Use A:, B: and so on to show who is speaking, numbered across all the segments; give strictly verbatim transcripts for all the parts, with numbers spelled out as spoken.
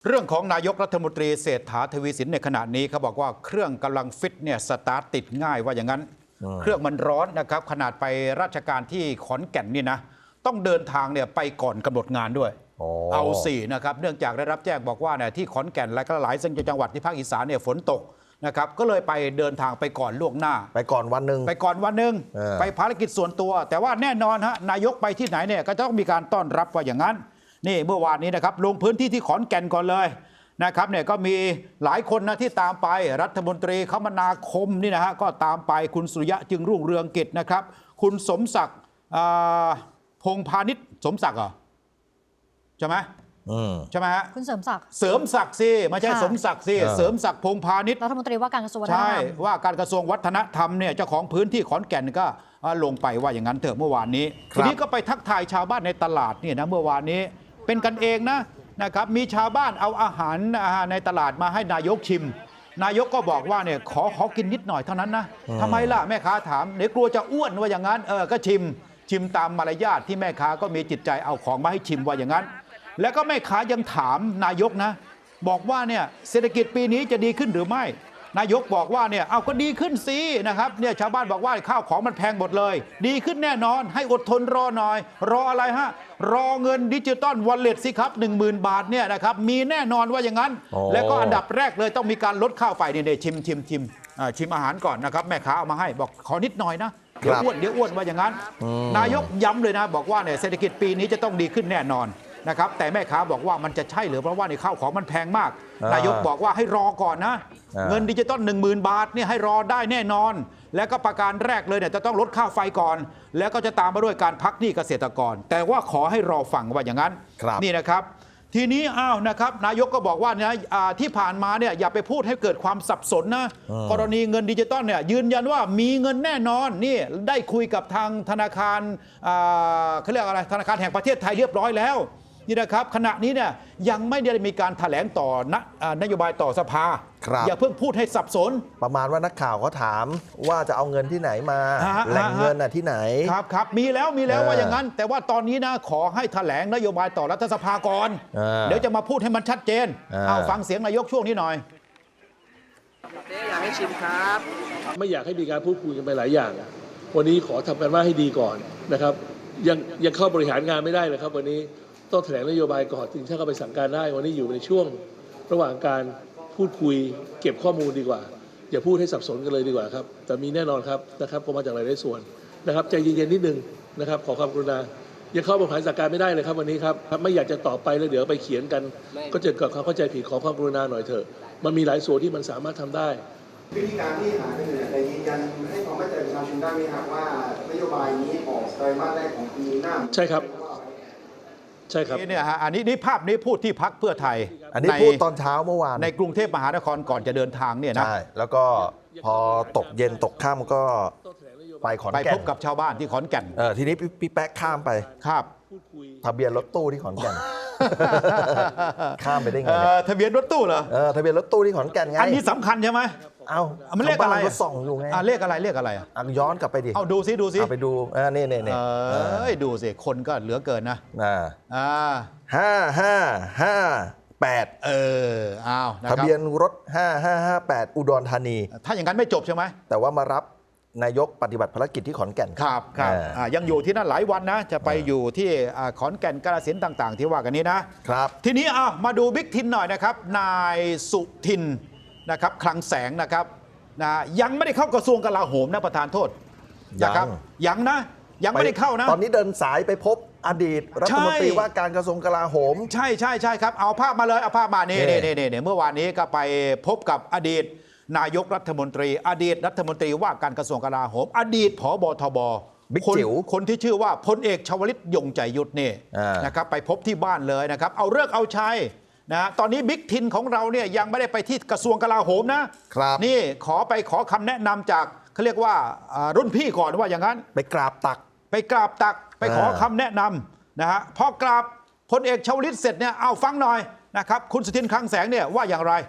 A: เรื่องของนายกรัฐมนตรีเศรษฐาทวีสินในขณะนี้เขาบอกว่าเครื่องกำลังฟิตเนี่ยสตาร์ทติดง่ายว่าอย่างนั้น เครื่องมันร้อนนะครับขนาดไปราชการที่ขอนแก่นนี่นะต้องเดินทางเนี่ยไปก่อนกำหนดงานด้วยเอาสี่นะครับเนื่องจากได้รับแจ้งบอกว่าเนี่ยที่ขอนแก่นและก็หลายจังหวัดที่ภาคอีสานเนี่ยฝนตกนะครับก็เลยไปเดินทางไปก่อนล่วงหน้า
B: ไปก่อนวันหนึ่ง
A: ไปก่อนวันหนึ่งไปภารกิจส่วนตัว แต่ว่าแน่นอนฮะนายกไปที่ไหนเนี่ยก็ต้องมีการต้อนรับว่าอย่างนั้นนี่เมื่อวานนี้นะครับลงพื้นที่ที่ขอนแก่นก่อนเลยนะครับเนี่ยก็มีหลายคนนะที่ตามไปรัฐมนตรีคมนาคมนี่นะฮะก็ตามไปคุณสุริยะจึงรุ่งเรืองกิจนะครับคุณสมศักดิ์พงษ์พาณิชย์สมศักดิ์เหรอใช่ไหมใช่ไหมฮะ
C: คุณเสริมศักดิ์
A: เสริมศักดิ์สิไม่ใช่สมศักดิ์สิเสริมศักดิ์พงษ์พาณิชย์
C: รัฐมนตรีว่าการกระทรวงวัฒนธรรม
A: ใช่ว่าการกระทรวงวัฒนธรรมเนี่ยเจ้าของพื้นที่ขอนแก่นก็ลงไปว่าอย่างนั้นเถอะเมื่อวานนี้ทีนี้ก็ไปทักทายชาวบ้านในตลาดเนี่ยนะเมื่อวานนี้เป็นกันเองนะนะครับมีชาวบ้านเอาอาหารในตลาดมาให้นายกชิมนายกก็บอกว่าเนี่ยขอขอกินนิดหน่อยเท่านั้นนะทำไมล่ะแม่ค้าถามเดี๋ยวกลัวจะอ้วนว่าอย่างนั้นเออก็ชิมชิมตามมารยาทที่แม่ค้าก็มีจิตใจเอาของมาให้ชิมว่าอย่างนั้นแล้วก็แม่ค้ายังถามนายกนะบอกว่าเนี่ยเศรษฐกิจปีนี้จะดีขึ้นหรือไม่นายกบอกว่าเนี่ยเอาก็ดีขึ้นสินะครับเนี่ยชาวบ้านบอกว่าข้าวของมันแพงหมดเลยดีขึ้นแน่นอนให้อดทนรอหน่อยรออะไรฮะรอเงินดิจิตอลวอลเล็ตสิครับ หนึ่งหมื่น บาทเนี่ยนะครับมีแน่นอนว่าอย่างนั้นแล้วก็อันดับแรกเลยต้องมีการลดข้าวไฟเนี่ยชิมชิมชิมชิมอาหารก่อนนะครับแม่ค้าเอามาให้บอกขอนิดหน่อยนะเดี๋ยวอ้วนเดี๋ยวอ้วนว่าอย่างนั้นนายกย้ำเลยนะบอกว่าเนี่ยเศรษฐกิจปีนี้จะต้องดีขึ้นแน่นอนนะครับแต่แม่ค้าบอกว่ามันจะใช่หรือเพราะว่าในข้าวของมันแพงมากนายกบอกว่าให้รอก่อนนะเงินดิจิตอลหนึ่งหมื่นบาทเนี่ยให้รอได้แน่นอนแล้วก็ประการแรกเลยเนี่ยจะต้องลดค่าไฟก่อนแล้วก็จะตามมาด้วยการพักหนี้เกษตรกรแต่ว่าขอให้รอฟังว่าอย่างนั้นนี่นะครับทีนี้อ้าวนะครับนายกก็บอกว่านะที่ผ่านมาเนี่ยอย่าไปพูดให้เกิดความสับสนนะกรณีเงินดิจิตอลเนี่ยยืนยันว่ามีเงินแน่นอนนี่ได้คุยกับทางธนาคารเขาเรียกอะไรธนาคารแห่งประเทศไทยเรียบร้อยแล้วนี่นะครับขณะนี้เนี่ยยังไม่ได้มีการแถลงต่อนโยบายต่อสภาอย่าเพิ่งพูดให้สับสน
B: ประมาณว่านักข่าวเขาถามว่าจะเอาเงินที่ไหนมาแหล่งเงินน่ะที่ไหน
A: ครับครับมีแล้วมีแล้วว่าอย่างนั้นแต่ว่าตอนนี้นะขอให้แถลงนโยบายต่อรัฐสภาก่อนเดี๋ยวจะมาพูดให้มันชัดเจนเอาฟังเสียงนายกช่วงนี้หน่อย
D: อยากให้ชิมครับ
E: ไม่อยากให้มีการพูดคุยกันไปหลายอย่างวันนี้ขอทำกันว่าให้ดีก่อนนะครับยังยังเข้าบริหารงานไม่ได้เลยครับวันนี้ต้องแถลงนโยบายก่อนถึงจะเข้าไปสั่งการได้วันนี้อยู่ในช่วงระหว่างการพูดคุยเก็บข้อมูลดีกว่าอย่าพูดให้สับสนกันเลยดีกว่าครับแต่มีแน่นอนครับนะครับก็มาจากหลายส่วนนะครับใจเย็นๆนิดนึงนะครับขอความกรุณายังเข้าบริหารสั่งการไม่ได้เลยครับวันนี้ครับไม่อยากจะตอบไปแล้วเดี๋ยวไปเขียนกันก็จะเกิดความเข้าใจผิดขอความกรุณาหน่อยเถอะมันมีหลายส่วนที่มันสามารถทำได้
D: วิธีการที่หาเงินในยืนยันให้ความมั่นใจประชาชนได้ไหมครับว่านโยบายนี้ออกไตรมาสแรกของปีหน้า
E: ใช่ครับใช่ครับ
A: นี่เนี่ยฮะอันนี้นี่ภาพนี้พูดที่พรรคเพื่อไทย
B: อันนี้พูดตอนเช้าเมื่อวาน
A: ในกรุงเทพมหานครก่อนจะเดินทางเนี่ยนะ
B: ใช่แล้วก็พอตกเย็นตกค่ำก็ไปขอนแก่น
A: ไปพบกับชาวบ้านที่ขอนแก่น
B: เออทีนี้พี่แป๊ะข้ามไป
A: ครับ
B: ทะเบียนรถตู้ที่ขอนแก่นข้ามไปได้ไง
A: ทะเบียนรถตู้เหรอ
B: เออทะเบียนรถตู้ที่ขอนแก่นไง
A: อันนี้สำคัญใช่ไหม
B: เอา
A: มันเลขอะไร
B: ส่องอยู่ไง
A: เลขอะไรเลขอะไรอ่ะ
B: ย้อนกลับไปดิ
A: เอาดูซิดูซิ
B: ไปดูอ่านี่นี่นี่
A: เอ้ยดูสิคนก็เหลือเกินนะ
B: อ่า
A: อ่า
B: ห้าห้าห้าแปด
A: เอออ้าว
B: ทะเบียนรถห้าห้าห้าแปดอุดรธานี
A: ถ้าอย่างนั้นไม่จบใช่ไหม
B: แต่ว่ามารับนายกปฏิบัติภารกิจที่ขอนแก่น
A: ครับครับยังอยู่ที่นั่นหลายวันนะจะไปอยู่ที่ขอนแก่นกาฬสินธุ์ต่างๆที่ว่ากันนี้นะครับทีนี้อ่ะมาดูบิ๊กทินหน่อยนะครับนายสุทินนะครับคลังแสงนะครับนะยังไม่ได้เข้ากระทรวงกลาโหมนะประธานโทษนะครับยังนะยังไม่ได้เข้านะ
B: ตอนนี้เดินสายไปพบอดีตรัฐมนตรีว่าการกระทรวงกลาโหม
A: ใช่ใช่ใช่ครับเอาภาพมาเลยเอาภาพมาเนี่ยเนี่ยเนี่ยเมื่อวานนี้ก็ไปพบกับอดีตนายกรัฐมนตรีอดีตรัฐมนตรีว่าการกระทรวงกลาโหมอดีตผบทบ
B: บิ๊กจิ๋ว
A: คนที่ชื่อว่าพลเอกชวลิตยงใจยุทธนี่นะครับไปพบที่บ้านเลยนะครับเอาเลิกเอาชัยนะตอนนี้บิ๊กทินของเราเนี่ยยังไม่ได้ไปที่กระทรวงกลาโหมนะครับนี่ขอไปขอคำแนะนำจากเขาเรียกว่ารุ่นพี่ก่อนว่าอย่างนั้น
B: ไปกราบตัก
A: ไปกราบตักไปขอคำแนะนำนะฮะพอกราบพลเอกชวลิตเสร็จเนี่ยเอาฟังหน่อยนะครับคุณสุทินคลังแสงเนี่ยว่าอย่างไร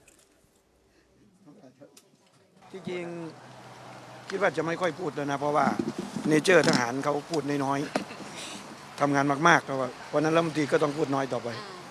D: จริงๆคิดว่าจะไม่ค่อยพูดแล้วนะเพราะว่าเนเจอร์ทหารเขาพูดน้อยๆทำงานมากๆเพราะว่าวันนั้นรัฐมนตรีก็ต้องพูดน้อยต่อไป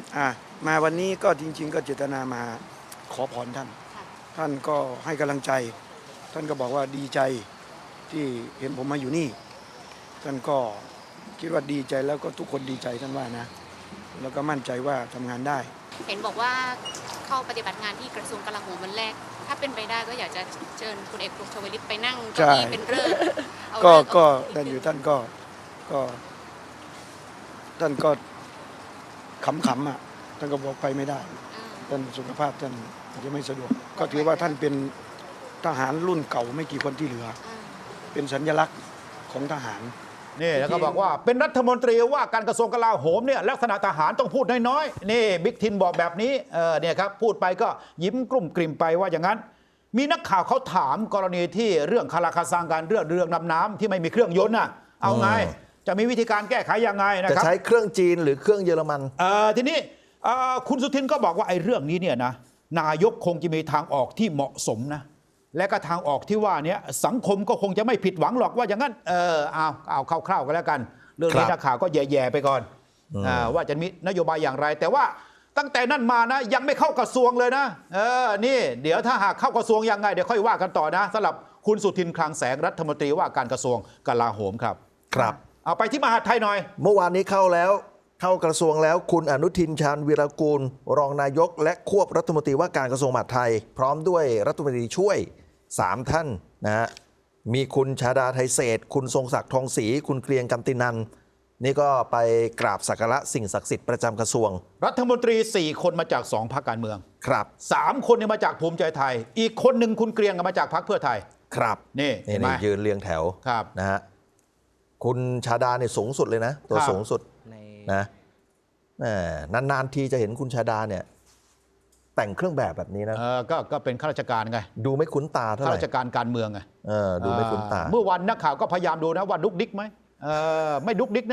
C: อ่ามาวันนี้ก็จริง ๆ ก็เจตนามาขอพรท่าน ท่านก็ให้กำลังใจ ท่านก็บอกว่าดีใจที่เห็นผมมาอยู่นี่ ท่านก็คิดว่าดีใจแล้วก็ทุกคนดีใจท่านว่านะ แล้วก็มั่นใจว่าทำงานได้
F: เห็นบอกว่าเข้าปฏิบัติงานที่กระทรวงกลาโหมวันแรก ถ้าเป็นไปได้ก็อยากจะเชิญคุณเอกพงษ์ชวลิตไปนั่งเก้าอี้เป็นเรื่องเอา
C: ก็
F: เลิก
C: ก็
F: เอา
C: ท่านอยู่ท่านก็ก็ท่านก็ขำๆอ่ะท่านก็บอกไปไม่ได้
F: อ่า
C: ท่านสุขภาพท่านอาจจะไม่สะดวก ก็ถือว่าท่านเป็นทหารรุ่นเก่าไม่กี่คนที่เหลือ
F: อ่า
C: เป็นสัญลักษณ์ของทหาร
A: นี่แล้วก็บอกว่าเป็นรัฐมนตรีว่าการกระทรวงกลาโหมเนี่ยลักษณะทหารต้องพูดน้อยๆนี่บิ๊กทินบอกแบบนี้เออเนี่ยครับพูดไปก็ยิ้มกลุ่มกลิ่มไปว่าอย่างนั้น มีนักข่าวเขาถามกรณีที่เรื่องคาราคาซังการเรื่องเรือนำน้ำที่ไม่มีเครื่องยนต์น่ะเอาไง จะมีวิธีการแก้ไขยังไงนะ
B: จะ
A: ครับ
B: ใช้เครื่องจีนหรือเครื่องเยอรมัน
A: เออทีนี้เอ่อคุณสุทินก็บอกว่าไอ้เรื่องนี้เนี่ยนะนายกคงจะมีทางออกที่เหมาะสมนะและก็ทางออกที่ว่าเนี้ยสังคมก็คงจะไม่ผิดหวังหรอกว่าอย่างนั้นเออเอาเอาคร่าวๆกันแล้วกัน เรื่องนี้
B: ครับ
A: นักข่าวก็แย่ๆไปก่อน
B: อืม
A: อ่าว่าจะมีนโยบายอย่างไร แต่ว่าตั้งแต่นั้นมานะยังไม่เข้ากระทรวงเลยนะเออนี่เดี๋ยวถ้าหากเข้ากระทรวงยังไงเดี๋ยวค่อยว่ากันต่อนะสำหรับคุณสุทินคลังแสงรัฐมนตรีว่าการกระทรวงกลาโหมครับ
B: ครับ
A: เอาไปที่มหาดไทยหน่อย
B: เมื่อวานนี้เข้าแล้วเข้ากระทรวงแล้วคุณอนุทินชาญวีรกูล รองนายก และควบรัฐมนตรีว่าการกระทรวงมหาดไทย พร้อมด้วยรัฐมนตรีช่วยสามท่านนะฮะมีคุณชาดาไทเศษคุณทรงศักดิ์ทองศรีคุณเกรียงกันตินันนี่ก็ไปกราบสักการะสิ่งศักดิ์สิทธิ์ประจำกระทรวง
A: รัฐมนตรีสี่คนมาจากสองพรรคการเมือง
B: ครับ
A: สามคนเนี่ยมาจากภูมิใจไทย อีกคนหนึ่งคุณเกรียงมาจากพรรคเพื่อไทย ครับนี่
B: นี่
A: เห็นไหม
B: นี่ยืนเรียงแถว
A: ครับ
B: นะฮะคุณชาดาเนี่ยสูงสุดเลยนะตัว
A: ครับ
B: สูงสุดนะแหมนานๆทีจะเห็นคุณชาดาเนี่ยแต่งเครื่องแบบแบบนี้นะ
A: เออก็ก็เป็นข้าราชการไง
B: ดูไม่คุ้นตาเท่าไห
A: ข้า
B: ร่
A: ราชการการเมืองไง
B: เออดูไม่คุ้นตา
A: เมื่อวันนักข่าวก็พยายามดูนะว่าดุกดิกไหมเออไม่ดุกดิกนะ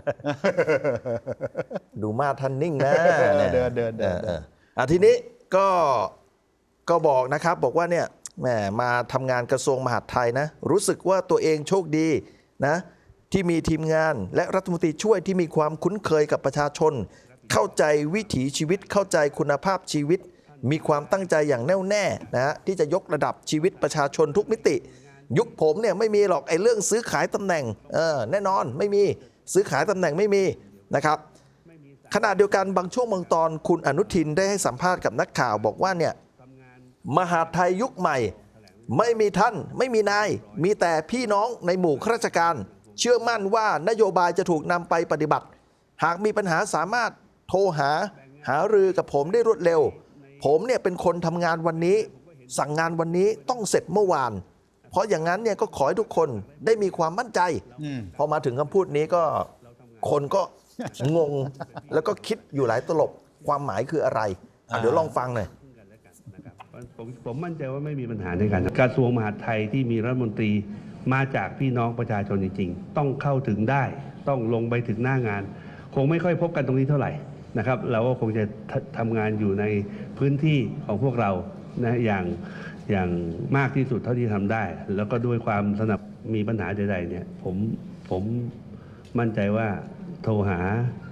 B: ดูมาท่านนิ่งนะ
A: เดินเดินเดิน
B: อออออ่ะทีนี้ก็ก็บอกนะครับบอกว่าเนี่ยแหมมาทำงานกระทรวงมหาดไทยนะรู้สึกว่าตัวเองโชคดีนะที่มีทีมงานและรัฐมนตรีช่วยที่มีความคุ้นเคยกับประชาชน เข้าใจวิถีชีวิตเข้าใจคุณภาพชีวิต มีความตั้งใจอย่างแน่วแน่นะฮะที่จะยกระดับชีวิตประชาชนทุกมิติ ยุคผมเนี่ยไม่มีหรอกไอ้เรื่องซื้อขายตำแหน่งเออแน่นอนไม่มีซื้อขายตำแหน่งไม่มีนะครับขณะเดียวกันบางช่วงบางตอนคุณอนุทินได้ให้สัมภาษณ์กับนักข่าวบอกว่าเนี่ยมหาดไทยยุคใหม่ไม่มีท่านไม่มีนายมีแต่พี่น้องในหมู่ข้าราชการ เชื่อมั่นว่านโยบายจะถูกนำไปปฏิบัติ หากมีปัญหาสามารถโทรหาหารือกับผมได้รวดเร็ว ผมเนี่ยเป็นคนทำงานวันนี้ สั่งงานวันนี้ต้องเสร็จเมื่อวาน เพราะอย่างนั้นเนี่ยก็ขอให้ทุกคนได้มีความมั่นใจ
A: อืม
B: พอมาถึงคำพูดนี้ก็คนก็ งง แล้วก็คิดอยู่หลายตลบความหมายคืออะไรอ่ะเดี๋ยวลองฟังหน่อย
G: ผมผมมั่นใจว่าไม่มีปัญหาในการกระทรวงมหาดไทยที่มีรัฐมนตรีมาจากพี่น้องประชาชนจริงๆ ต้องเข้าถึงได้ ต้องลงไปถึงหน้างาน คงไม่ค่อยพบกันตรงนี้เท่าไหร่นะครับ เราก็คงจะททำงานอยู่ในพื้นที่ของพวกเรานะอย่างอย่างมากที่สุดเท่าที่ทำได้ แล้วก็ด้วยความสนับมีปัญหาใดๆเนี่ยผมผมมั่นใจว่าโทรหา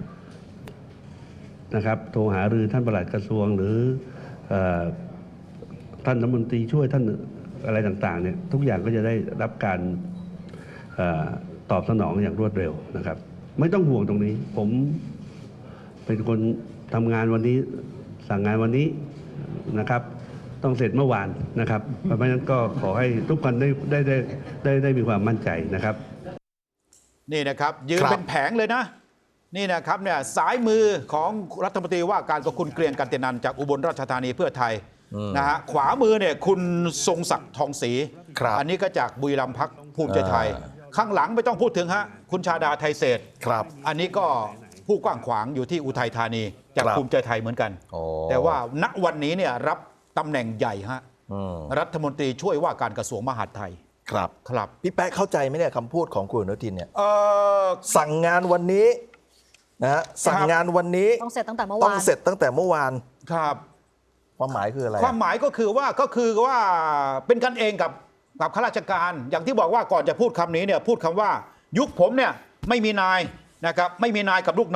G: นะครับโทรหารือท่านปลัดกระทรวงหรือเอ่อท่านรัฐมนตรีช่วยท่านอะไรต่างๆเนี่ยทุกอย่างก็จะได้รับการเออตอบสนองอย่างรวดเร็วนะครับ ไม่ต้องห่วงตรงนี้ ผมเป็นคนทำงานวันนี้สั่งงานวันนี้นะครับ ต้องเสร็จเมื่อวานนะครับ เพราะฉะนั้นก็ขอให้ทุกคนได้ได้ได้ได้ได้มีความมั่นใจนะครับ
A: นี่นะครับยืน
B: ครับ
A: เป็นแผงเลยนะ นี่นะครับเนี่ยสายมือของรัฐมนตรีว่าการกับคุณเกรียงกันตินันจากอุบลราชธานีเพื่อไทยนะฮะขวามือเนี่ยคุณทรงศักดิ์ทองศรี
B: ครับ
A: อันนี้ก็จากบุรีรัมย์พรรคภูมิใจไทย
B: อ่า
A: ข้างหลังไม่ต้องพูดถึงฮะคุณชาดาไทเศษ
B: ครับ
A: อันนี้ก็ผู้กว้างขวางอยู่ที่อุทัยธานีจาก
B: ครับ
A: ภูมิใจไทยเหมือนกัน
B: โอ้
A: แต่ว่าณวันนี้เนี่ยรับตำแหน่งใหญ่ฮะ
B: อืม
A: รัฐมนตรีช่วยว่าการกระทรวงมหาดไทย
B: ครับ
A: ครับ
B: พี่แป๊ะเข้าใจไหมเนี่ยคำพูดของคุณอนุทินเนี่ย
A: เออ
B: สั่งงานวันนี้นะฮะสั่งงานวันนี้
H: ต้องเสร็จตั้งแต่เมื่อ
B: ต้
H: วา
B: อง
H: น
B: เสร็จตั้งแต่เมื่อวาน
A: ครับ
B: ความหมายคืออะไร
A: ความหมายก็คือว่าก็คือว่าเป็นกันเองกับกับข้าราชการ อย่างที่บอกว่าก่อนจะพูดคำนี้เนี่ยพูดคำว่ายุคผมเนี่ยไม่มีนายนะครับไม่มีนายกับลูกน้อง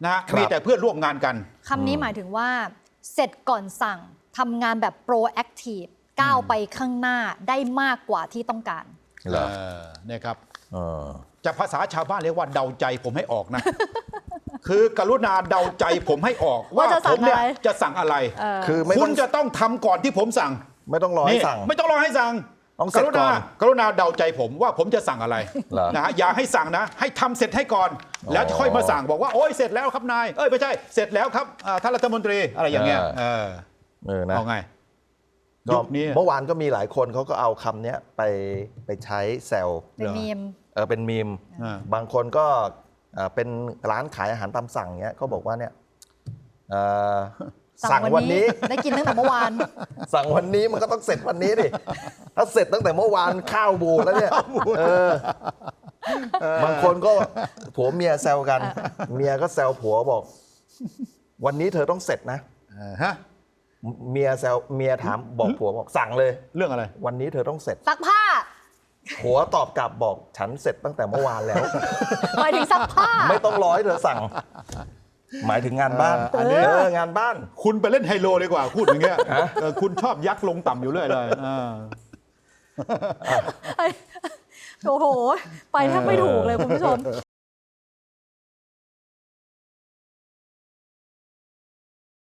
A: นะ
B: ครับ
A: มีแต่เพื่อนร่วมงานกัน
H: คำนี้หมายถึงว่า เสร็จก่อนสั่งทำงานแบบโปรแอคทีฟก้าวไปข้างหน้าได้มากกว่าที่ต้องการ
B: เหรอ
A: เออเนี่ยครับ
B: เออ
A: จะภาษาชาวบ้านเรียกว่าเดาใจผมให้ออกนะ คือกรุณาเดาใจผมให้ออก ว่า
H: ว่าจะสั่
A: ผ
H: ง
A: มเนี่ย
H: อะไร
A: จะสั่งอะไร
H: เออ
B: คือไม่
A: คุ
B: ต้
A: ณ
B: อง
A: จะต้องทำก่อนที่ผมสั่ง
B: ไม่ต้องรอให้
A: นี่
B: สั่ง
A: ไม่ต้องรอให้สั่ง
B: ต้องเสร็จ
A: กรุ
B: ก่
A: ณา
B: อน
A: กรุณาเดาใจผมว่าผมจะสั่งอะไร
B: เหรอ
A: นะฮะอย่าให้สั่งนะ ให้ทำเสร็จให้ก่อน
B: อ๋อ
A: แล้วค่อยมาสั่งบอกว่าโอ้ยเสร็จแล้วครับนายเอ้ยไม่ใช่เสร็จแล้วครับอ่าท่านรัฐมนตรีอะไรอย่างเงี้ย
B: เออ
A: เออ
B: เออนะ
A: เอาไง
B: ก็
A: ยุคนี้
B: เมื่อวานก็มีหลายคนเขาก็เอาคำเนี้ยไปไปใช้แซว
H: เป็นมีม
B: เออเป็นมีม
A: อ่า
B: บางคนก็เอ่อเป็นร้านขายอาหารตามสั่งเนี้ยเขาบอกว่าเนี่ยเอ่อสั่งวันนี้
H: ได้กินตั้งแต่เมื่อวาน
B: สั่งวันนี้มันก็ต้องเสร็จวันนี้ดิถ้าเสร็จตั้งแต่เมื่อวานข้าวบูดแล้วเนี่ยเออบางคนก็ผัวเมียแซวกัน เมียก็แซวผัวบอก วันนี้เธอต้องเสร็จนะ
A: เออฮะ
B: เมียแซวเมียถามบอกผัวบอกสั่งเลย
A: เรื่องอะไร
B: วันนี้เธอต้องเสร็จ
H: ซักผ้า
B: ผัวตอบกลับบอกฉันเสร็จตั้งแต่เมื่อวานแล้ว
H: หมายถึงซักผ้า
B: ไม่ต้องรอให้เธอสั่ง หมายถึงงานบ้าน
A: เอออันนี้
B: เอองานบ้าน
A: คุณไปเล่นไฮโลดีกว่าพูดอย่างเงี้ยเออคุณชอบยักษ์ลงต่ำอยู่เรื่อยเลยเออ
H: โอ้โห ไปแทบไม่ถูกเลยคุณผู้ชม